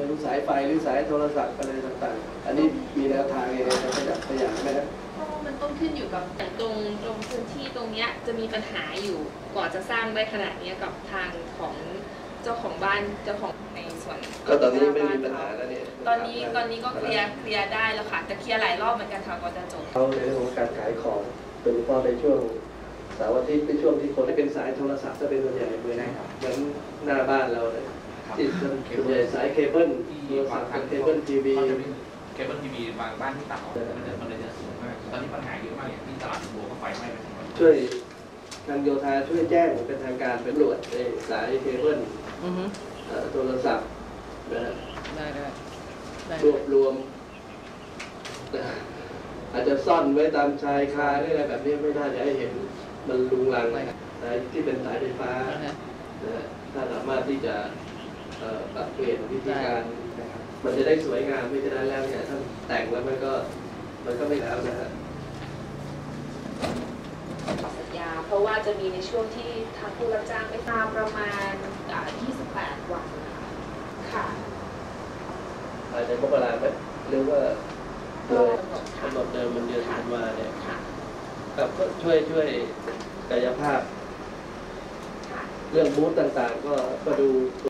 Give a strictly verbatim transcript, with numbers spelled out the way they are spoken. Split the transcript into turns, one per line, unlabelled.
ดูสายไฟหรือสายโทรศัพท์อะไรต่างๆอันนี้มีแนวทางยังไงจะขยับขยายไหมครับ
ก็มันต้องขึ้นอยู่กับแต่ตรงตรงพื้นที่ตรงเนี้ยจะมีปัญหาอยู่กว่าจะสร้างได้ขนาดนี้กับทางของเจ้าของบ้านเจ้าของในส่วน
ก็ตอนนี้ไม่มีปัญหาแล้วเนี่ย
ตอนนี้ตอนนี้ก็เคลียร์เคลียร์ได้แล้วค่ะแต่เคลียร์หลายรอบเหมือนกันค่ะกว่าจะจบ
เขาในเรื่องของการขายของโดยเฉพาะในช่วงเสาร์อาทิตย์เป็นช่วงที่คนที่เป็นสายโทรศัพท์จะเป็นส่วนใหญ่เหมือนเหมือนหน้าบ้านเราเลยที่ส่วนใหญ่สายเคเบิลโทรศัพท์เคเบิลทีวี
เคเบิลทีวีบางบ้านที่ตัดออกมันจะมันเลยจะสูงมากตอนนี้ปัญหาเยอะมากอย่างที่ตลาดบัวก็ไฟไหม้ไปทั้งหมด
ช่วยทางโยธาช่วยแจ้งเป็นทางการเป็นตำรวจในสายเคเบิลโทรศัพท์นะ
ได้ได้
รวบรวมอาจจะซ่อนไว้ตามชายคาอะไรแบบนี้ไม่น่าจะให้เห็นมันลุงลังสายที่เป็นสายไฟฟ้าถ้าสามารถที่จะปรับเปลี่ยนวิธีการมันจะได้สวยงามไม่จะได้แล้วเนี่ยถ้าแต่งแล้วมันก็มันก็ไม่แล้วนะฮะ
สัญญาเพราะว่าจะมีในช่วงที่ทางผู้รับจ้างไม่ตามประมาณยี่สิบแปดวันนะคะค่ะ
อาจจะมกราไหมหรือว่าเลยกำหนดเดิมมันเดือนธันวาเนี่ยครับก็ช่วยช่วยกายภาพเรื่องบูธต่างๆก็ก็ดู